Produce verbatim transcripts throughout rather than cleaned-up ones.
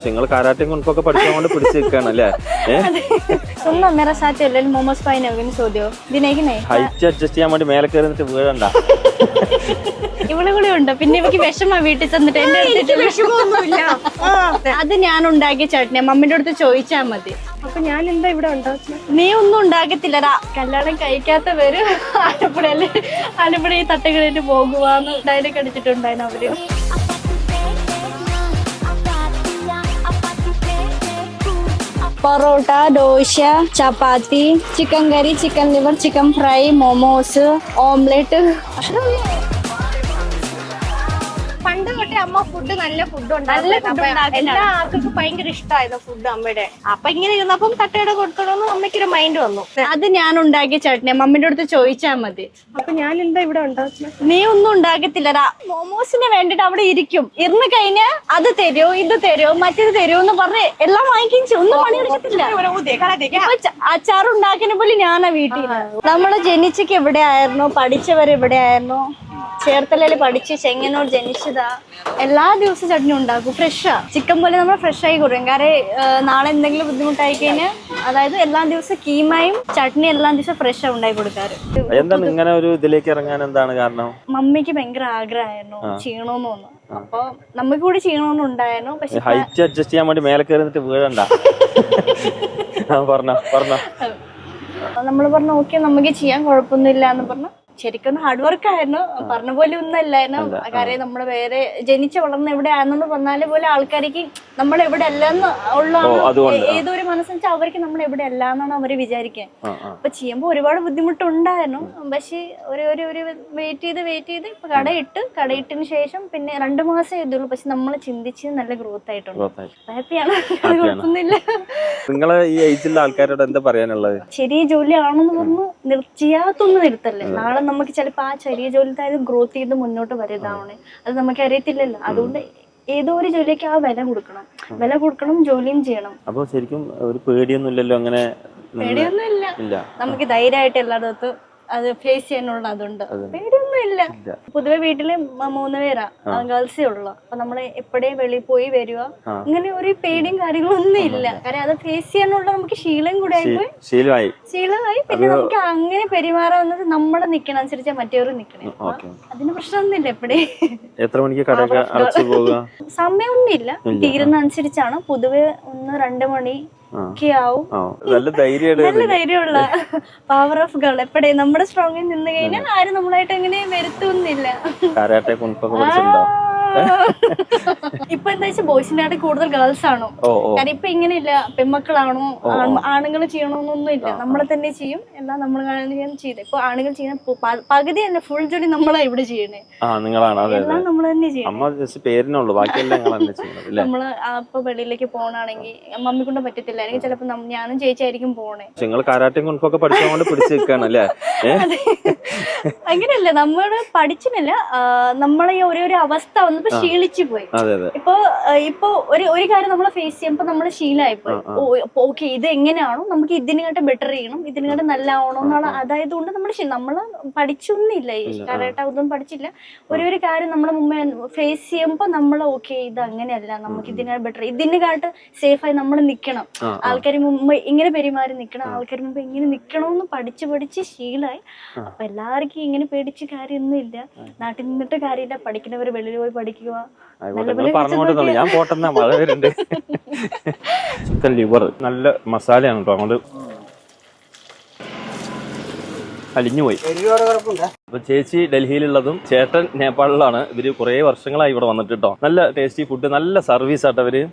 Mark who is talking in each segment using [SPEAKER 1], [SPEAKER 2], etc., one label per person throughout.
[SPEAKER 1] നിങ്ങൾ കാരാട്ടെ കുൻഫൊക്കെ പഠിച്ചുകൊണ്ട് പിടിച്ചു നിൽക്കുകയാണല്ലേ?
[SPEAKER 2] सुनो मेरा साथ चल मोमोस पाई नहीं सो दियो दिन है कि नहीं
[SPEAKER 1] ഹൈറ്റ് അഡ്ജസ്റ്റ് ചെയ്യാൻ വേണ്ടി മേലെ കയറിട്ട് വീഴണ്ട.
[SPEAKER 2] ഇവിടെ കൂടി ഉണ്ട്. പിന്നെ എനിക്ക് വിഷമാ വീട്ടിൽ ചെന്നിട്ട് എന്റെ അടുത്ത് വിഷമൊന്നുമില്ല. അത് ഞാൻ ഉണ്ടാക്കിയ ചട്നി മമ്മിന്റെ അടുത്ത് ചോദിച്ചാ മതി.
[SPEAKER 3] അപ്പൊ ഞാൻ എന്താ ഇവിടെ ഉണ്ടാക്കി?
[SPEAKER 2] നീ ഒന്നും ഉണ്ടാക്കത്തില്ലടാ. കല്യാണം കഴിക്കാത്തവര് ആലപ്പുഴയില് ആലപ്പുഴ ഈ തട്ടുകളിട്ട് പോകുവാന്ന് ഡയലോഗ് അടിച്ചിട്ടുണ്ടായിരുന്നു അവര്. Parotta, dosa, chapati, chicken curry, chicken liver, chicken fry, momos, omelette.
[SPEAKER 3] പണ്ട് തൊട്ടേ അമ്മ ഫുഡ് നല്ല ഫുഡ് ഉണ്ടാക്കും. എല്ലാ ആൾക്കും ഭയങ്കര ഇഷ്ടമായിരുന്നു ഫുഡ് അമ്മയുടെ. അപ്പൊ ഇങ്ങനെ ഇരുന്നപ്പം തട്ടയുടെ കൊടുക്കണമെന്ന് അമ്മയ്ക്കൊരു മൈൻഡ് വന്നു.
[SPEAKER 2] അത് ഞാൻ ഉണ്ടാക്കിയ ചട്നി മമ്മിന്റെ അടുത്ത് ചോദിച്ചാ മതി.
[SPEAKER 3] അപ്പൊ ഞാൻ എന്താ ഇവിടെ ഉണ്ടാക്കി?
[SPEAKER 2] നീ ഒന്നും ഉണ്ടാക്കത്തില്ലടാ. മോമോസിന് വേണ്ടിട്ട് അവിടെ ഇരിക്കും. ഇരുന്ന് കഴിഞ്ഞാ അത് തരുമോ ഇത് തരുമോ മറ്റേത് തരുമോ എന്ന് പറഞ്ഞ് എല്ലാം വാങ്ങിക്കും. ഒന്നും പണിയെടുക്കത്തില്ല. അച്ചാർ ഉണ്ടാക്കുന്ന പോലെ ഞാനാ വീട്ടിൽ. നമ്മള് ജനിച്ചക്ക് എവിടെ ആയിരുന്നു, പഠിച്ചവർ എവിടെ ആയിരുന്നു. ചേർത്തലയിൽ പഠിച്ച് ചെങ്ങന്നൂർ ജനിച്ചതാ. എല്ലാ ദിവസവും ചട്നി ഉണ്ടാക്കും. ഫ്രഷാ ചിക്കൻ പോലെ നമ്മൾ ഫ്രഷ് ആയി കൊടുക്കും. കാരണം നാളെ എന്തെങ്കിലും ബുദ്ധിമുട്ടായി കഴിഞ്ഞാൽ അതായത് എല്ലാ ദിവസവും കീമയും ചട്നി എല്ലാ ദിവസവും ഫ്രഷ് ആ ഉണ്ടാക്കി കൊടുക്കാറ്.
[SPEAKER 1] എന്താണ് ഇങ്ങനെ ഒരു ഇതിലേക്ക് ഇറങ്ങാൻ എന്താണ് കാരണം?
[SPEAKER 2] മമ്മിക്ക് ഭയങ്കര ആഗ്രഹമായിരുന്നു ചെയ്യണോന്ന് തോന്നുന്നു. അപ്പൊ നമുക്ക് കൂടി ചെയ്യണമെന്നുണ്ടായിരുന്നു. പക്ഷെ
[SPEAKER 1] ഹൈറ്റ് അഡ്ജസ്റ്റ് ചെയ്യാൻ വേണ്ടി മേലെ കയറിട്ട് വീഴണ്ട. പറഞ്ഞ പറഞ്ഞ
[SPEAKER 2] നമ്മള് പറഞ്ഞു ഓക്കെ നമുക്ക് ചെയ്യാൻ കുഴപ്പമൊന്നുമില്ല എന്ന് പറഞ്ഞു. ശരിക്കും ഹാർഡ് വർക്ക് ആയിരുന്നു. പറഞ്ഞ പോലെ ഒന്നും അല്ലായിരുന്നു. കാര്യം നമ്മള് വേറെ ജനിച്ച വളർന്ന് എവിടെ ആണെന്ന് പറഞ്ഞാല് പോലെ ആൾക്കാർക്ക് നമ്മൾ എവിടെ അല്ലെന്ന് ഉള്ള ഏതൊരു മനസ്സെന്ന് വെച്ചാൽ അവർക്ക് നമ്മൾ എവിടെ അല്ല എന്നാണ് അവര് വിചാരിക്കാൻ. അപ്പൊ ചെയ്യുമ്പോ ഒരുപാട് ബുദ്ധിമുട്ടുണ്ടായിരുന്നു. പക്ഷെ ഒരു ഒരു ഒരു വെയിറ്റ് ചെയ്ത് വെയിറ്റ് ചെയ്ത് ഇപ്പൊ കടയിട്ട് കടയിട്ടതിന് ശേഷം പിന്നെ രണ്ടു മാസം ചെയ്തുള്ളൂ. പക്ഷെ നമ്മൾ ചിന്തിച്ച് നല്ല ഗ്രോത്ത് ആയിട്ടുണ്ട്. ഹാപ്പിയാണ്. കുഴപ്പമൊന്നുമില്ല.
[SPEAKER 1] നിങ്ങളെ ഈ ഏജിലുള്ള ആൾക്കാരോട് എന്താ പറയാനുള്ളത്?
[SPEAKER 2] ചെറിയ ജോലി ആണെന്ന് പറഞ്ഞു ചെയ്യാത്തൊന്നും നിർത്തല്ലേ. നാളെ നമുക്ക് ചിലപ്പോ ആ ചെറിയ ജോലി ഗ്രോത്ത് ചെയ്ത് മുന്നോട്ട് വരുന്നതാണ്. അത് നമുക്ക് അറിയത്തില്ലല്ലോ. അതുകൊണ്ട് ഏതോ ഒരു ജോലിക്ക് ആ വില കൊടുക്കണം. വില കൊടുക്കണം, ജോലിയും ചെയ്യണം.
[SPEAKER 1] അപ്പൊ ശരിക്കും ഒരു പേടിയൊന്നും ഇല്ലല്ലോ? അങ്ങനെ
[SPEAKER 2] പേടിയൊന്നും ഇല്ല. നമുക്ക് ധൈര്യമായിട്ട് എല്ലായിടത്തും അത് ഫേസ് ചെയ്യാനുള്ള അതുണ്ട്. പേടിയൊന്നും ഇല്ല. പൊതുവെ വീട്ടില് മൂന്ന് പേരാ, ഗേൾസേ ഉള്ളു. അപ്പൊ നമ്മള് എപ്പോഴും വെളിയിൽ പോയി വരിക അങ്ങനെ ഒരു പേടിയും കാര്യങ്ങളൊന്നും ഇല്ല. കാരണം അത് ഫേസ് ചെയ്യാനുള്ള നമുക്ക് ശീലം കൂടെ ആയിപ്പോയി. ശീലമായി ശീലമായി പിന്നെ നമുക്ക് അങ്ങനെ പെരുമാറാവുന്നത് നമ്മളെ നിക്കണ അനുസരിച്ചാ മറ്റേവരും നിക്കണേ. അതിന് പ്രശ്നമൊന്നുമില്ല. എപ്പോഴേ
[SPEAKER 1] എത്ര മണിക്ക് കടയൊക്കെ അടച്ചു പോകുക
[SPEAKER 2] സമയമൊന്നും ഇല്ല. തീരുന്ന അനുസരിച്ചാണ്. പൊതുവെ ഒന്ന് രണ്ട് മണി
[SPEAKER 1] നല്ല
[SPEAKER 2] ധൈര്യമുള്ള പവർ ഓഫ് ഗേൾ. എപ്പോഴേ നമ്മുടെ സ്ട്രോങ്ങിൽ നിന്ന് കഴിഞ്ഞാൽ ആരും നമ്മളായിട്ട് അങ്ങനെ വരുത്തൊന്നുമില്ല. ഇപ്പൊ എന്താ വെച്ചാൽ ബോയ്സിന്റെ ആയിട്ട് കൂടുതൽ ഗേൾസ് ആണോ? കാരണം ഇപ്പൊ ഇങ്ങനെയില്ല. പെൺമക്കളാണോ ആണുങ്ങൾ ചെയ്യണമെന്നൊന്നും ഇല്ല. നമ്മളെ തന്നെ ചെയ്യും. എല്ലാം നമ്മൾ ചെയ്ത് ഇപ്പൊ ആണുങ്ങൾ ചെയ്യുന്ന പകുതി തന്നെ ഫുൾ ജോലി നമ്മളാ ഇവിടെ ചെയ്യണേ. എല്ലാം നമ്മൾ തന്നെ ചെയ്യണം. നമ്മള് ഇപ്പൊ വെളിയിലേക്ക് പോകണമെങ്കിൽ മമ്മി കൊണ്ട് പറ്റത്തില്ല. അല്ലെങ്കിൽ ചിലപ്പോ ഞാനും ചേച്ചിയായിരിക്കും പോണേ. അങ്ങനെയല്ല, നമ്മള് പഠിച്ചിട്ടില്ല. നമ്മളെ ഈ ഓരോ അവസ്ഥ വന്നപ്പോ ക്ഷീണിച്ചു പോയി. ഇപ്പൊ ഇപ്പൊ ഒരു ഒരു കാര്യം നമ്മളെ ഫേസ് ചെയ്യുമ്പോ നമ്മള് ശീലമായി പോയി. ഓക്കെ ഇത് എങ്ങനെയാണോ നമുക്ക് ഇതിനെക്കാട്ട് ബെറ്റർ ചെയ്യണം, ഇതിനെക്കാട്ട് നല്ല ആവണം എന്നുള്ള അതായത് കൊണ്ട് നമ്മള് നമ്മള് പഠിച്ചൊന്നുമില്ല. ഈ കരാട്ട ഒന്നും പഠിച്ചില്ല. ഒരു ഒരു കാര്യം നമ്മളെ മുമ്പേ ഫേസ് ചെയ്യുമ്പോ നമ്മള് ഓക്കെ ഇത് അങ്ങനെയല്ല, നമുക്ക് ഇതിനെക്കാട്ട് ബെറ്റർ, ഇതിനെക്കാട്ട് സേഫായി നമ്മൾ നിക്കണം. ആൾക്കാർ മുമ്പ് ഇങ്ങനെ പെരുമാറി നിക്കണം, ആൾക്കാർ മുമ്പ് ഇങ്ങനെ നിക്കണമെന്ന് പഠിച്ച് പഠിച്ച് ശീലമായി. അപ്പൊ എല്ലാവർക്കും ഇങ്ങനെ പേടിച്ച് കാര്യമൊന്നും ഇല്ല. നാട്ടിൽ നിന്നിട്ട് കാര്യമില്ല. പഠിക്കുന്നവര് വെളിയിൽ പോയി പഠിക്കുക.
[SPEAKER 1] ഞാൻ പോട്ടെന്നാ മഴ വരുന്നുണ്ട്. ചിക്കൻ ലിവർ നല്ല മസാലയാണ് കേട്ടോ. അങ്ങോട്ട് അലിഞ്ഞുപോയി. അപ്പൊ ചേച്ചി ഡൽഹിയിലുള്ളതും ചേട്ടൻ നേപ്പാളിലാണ്. ഇവര് കുറെ വർഷങ്ങളായി ഇവിടെ വന്നിട്ട് കേട്ടോ. നല്ല ടേസ്റ്റി ഫുഡ്, നല്ല സർവീസ് ആട്ടോ ഇവര്.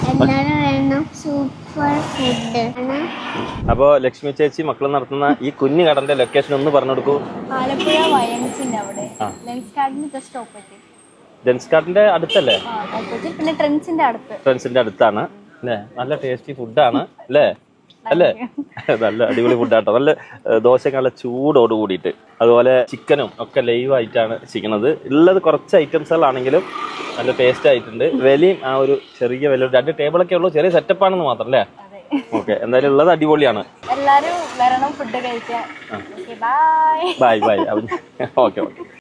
[SPEAKER 1] അപ്പൊ ലക്ഷ്മി ചേച്ചി മക്കൾ നടത്തുന്ന ഈ കുഞ്ഞു കടന്റെ ലൊക്കേഷൻ ഒന്ന് പറഞ്ഞു കൊടുക്കൂ.
[SPEAKER 2] ആലപ്പുഴ വയൻസിന്റെ അവിടെ ലെൻസ് കാർഡിന് ജസ്റ്റ് ഓപ്പോസിറ്റ്.
[SPEAKER 1] ലെൻസ് കാർഡിന്റെ അടുത്തല്ലേ?
[SPEAKER 2] പിന്നെ ട്രെൻഡ്സിന്റെ അടുത്ത്.
[SPEAKER 1] ട്രെൻഡ്സിന്റെ അടുത്താണ് അല്ലേ? നല്ല ടേസ്റ്റി ഫുഡാണ് അല്ലേ? അല്ലേ? നല്ല അടിപൊളി ഫുഡാട്ടോ. നല്ല ദോശ നല്ല ചൂടോട് കൂടിയിട്ട്, അതുപോലെ ചിക്കനും ഒക്കെ ലൈവ് ആയിട്ടാണ് ചെയ്യണത്. ഉള്ളത് കുറച്ച് ഐറ്റംസുകളാണെങ്കിലും നല്ല ടേസ്റ്റ് ആയിട്ടുണ്ട്. വിലയും ആ ഒരു ചെറിയ വില, രണ്ട് ടേബിളൊക്കെ ഉള്ളൂ. ചെറിയ സെറ്റപ്പ് ആണെന്ന് മാത്രം അല്ലേ? ഓക്കെ, എന്തായാലും ഉള്ളത് അടിപൊളിയാണ്.
[SPEAKER 2] എല്ലാരും വരണം ഫുഡ് കഴിക്കാൻ. Bye
[SPEAKER 1] bye bye. Okay okay.